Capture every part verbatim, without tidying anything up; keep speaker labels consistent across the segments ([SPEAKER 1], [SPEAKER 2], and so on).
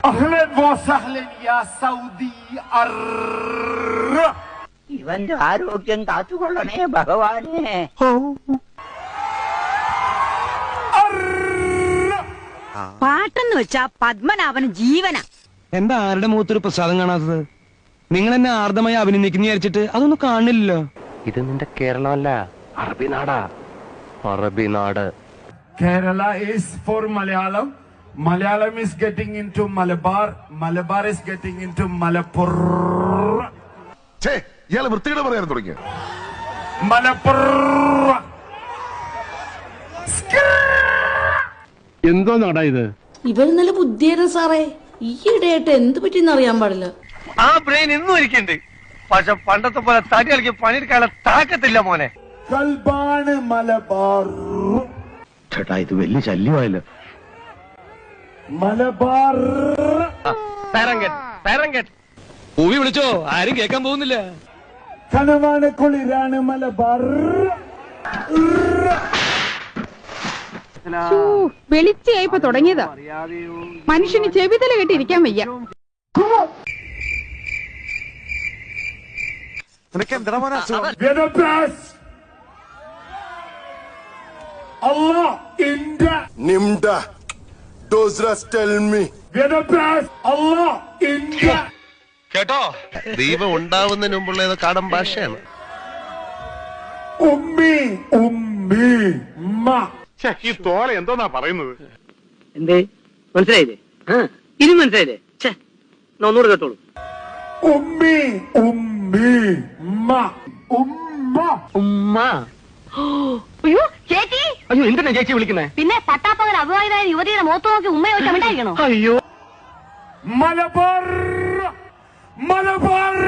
[SPEAKER 1] ഇവന്റെ ആരോഗ്യം കാത്തുകൊള്ളണേ ഭഗവാനെ.
[SPEAKER 2] പാട്ടെന്ന് വെച്ചാ പത്മനാഭന് ജീവന.
[SPEAKER 3] എന്താ ആരുടെ മുഖത്തൊരു പ്രസാദം കാണാത്തത്? നിങ്ങൾ എന്നെ ആർദ്രമായി അഭിനന്ദിക്കുന്ന വിചാരിച്ചിട്ട് അതൊന്നും കാണില്ലല്ലോ.
[SPEAKER 4] ഇത് നിന്റെ കേരളമല്ല, അറബി നാടാ. അറബി നാട്.
[SPEAKER 5] Kerala is for Malayalam. Malayalam is getting into Malabar. Malabar is getting into Malappuram.
[SPEAKER 6] ഇയാള് വൃത്തിയുടെ പറയാൻ തുടങ്ങിയ
[SPEAKER 5] മലപ്പുറ.
[SPEAKER 7] എന്തോ നാടാ ഇത്?
[SPEAKER 8] ഇവര് നല്ല ബുദ്ധിയായിരുന്നു സാറേ. ഈയിടെയായിട്ട് എന്ത് പറ്റിയെന്ന് അറിയാൻ പാടില്ല.
[SPEAKER 4] ആ ബ്രെയിൻ ഇന്നും ഇരിക്കണ്ട്. പക്ഷെ പണ്ടത്തെ പോലെ തടി കളിക്ക് പണിയെടുക്കാനുള്ള താക്കത്തില്ല മോനെ.
[SPEAKER 5] കൽബാണ് മലബാർ.
[SPEAKER 7] ചേട്ടാ ഇത് വലിയ ശല്യമായല്ലോ.
[SPEAKER 5] മലബാർ.
[SPEAKER 3] പൂവി വിളിച്ചോ? ആരും കേൾക്കാൻ പോകുന്നില്ല.
[SPEAKER 5] കനവാണ് കുളിരാണ് മലബാർ.
[SPEAKER 9] വെളിച്ചയായിപ്പോ തുടങ്ങിയതാ. മനുഷ്യന് ചെവിതല കെട്ടിരിക്കാൻ വയ്യ.
[SPEAKER 4] കേട്ടോ, ദൈവം ഉണ്ടാവുന്നതിന് മുമ്പുള്ള കാടൻ ഭാഷയാണ്.
[SPEAKER 5] ഉമ്മി ഉമ്മി ഉമ്മ.
[SPEAKER 7] ഈ തോല എന്തോന്നാ പറയുന്നത്?
[SPEAKER 1] എന്തേ മനസ്സിലായില്ലേ? ഇനി മനസ്സിലായില്ലേ? ഒന്നുകൂടെ കേട്ടോളൂ.
[SPEAKER 5] ഉമ്മി ഉമ്മി ഉമ്മ ഉമ്മ
[SPEAKER 1] ഉമ്മ.
[SPEAKER 2] അയ്യോ ചേച്ചി.
[SPEAKER 4] അയ്യോ എന്തിനാ ചേച്ചി വിളിക്കുന്നേ?
[SPEAKER 2] പിന്നെ പട്ടാപ്പകൽ അവിവാഹിതായ യുവതിയുടെ മുഖത്ത് നോക്കി ഉമ്മ ചോദിച്ചാൽ ഉണ്ടായിരിക്കണോ?
[SPEAKER 4] അയ്യോ
[SPEAKER 5] മലബാർ മലബാർ.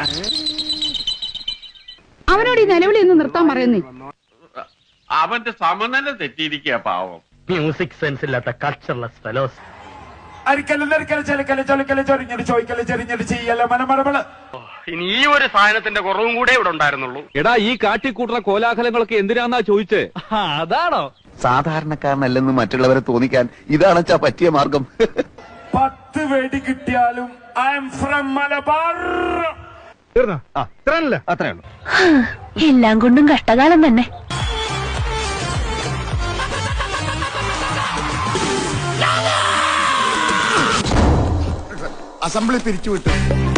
[SPEAKER 9] അവനോട് ഈ നിലവിളി ഒന്ന് നിർത്താൻ പറയുന്നേ.
[SPEAKER 7] അവന്റെ സമനില തെറ്റിയിരിക്കുക പാവം.
[SPEAKER 4] മ്യൂസിക് സെൻസ് ഇല്ലാത്ത കൾച്ചർലെസ് ഫെലോസ്. ഇനി ഈ ഒരു സാധനത്തിന്റെ കുറവും കൂടെ ഇവിടെ ഉണ്ടായിരുന്നുള്ളൂ.
[SPEAKER 3] എടാ ഈ കാട്ടിക്കൂട്ടുന്ന കോലാഹലങ്ങളൊക്കെ എന്തിനാന്നാ ചോദിച്ചേ? അതാണോ?
[SPEAKER 6] സാധാരണക്കാരനല്ലെന്ന് മറ്റുള്ളവരെ തോന്നിക്കാൻ ഇതാണച്ചാ പറ്റിയ മാർഗം.
[SPEAKER 5] പത്ത് വെടി കിട്ടിയാലും ഐ എം ഫ്രം മലബാർ.
[SPEAKER 3] അത്രേ ഉള്ളൂ.
[SPEAKER 2] എല്ലാം കൊണ്ടും കഷ്ടകാലം തന്നെ.
[SPEAKER 6] അസംബ്ലി പിരിച്ചുവിട്ടു.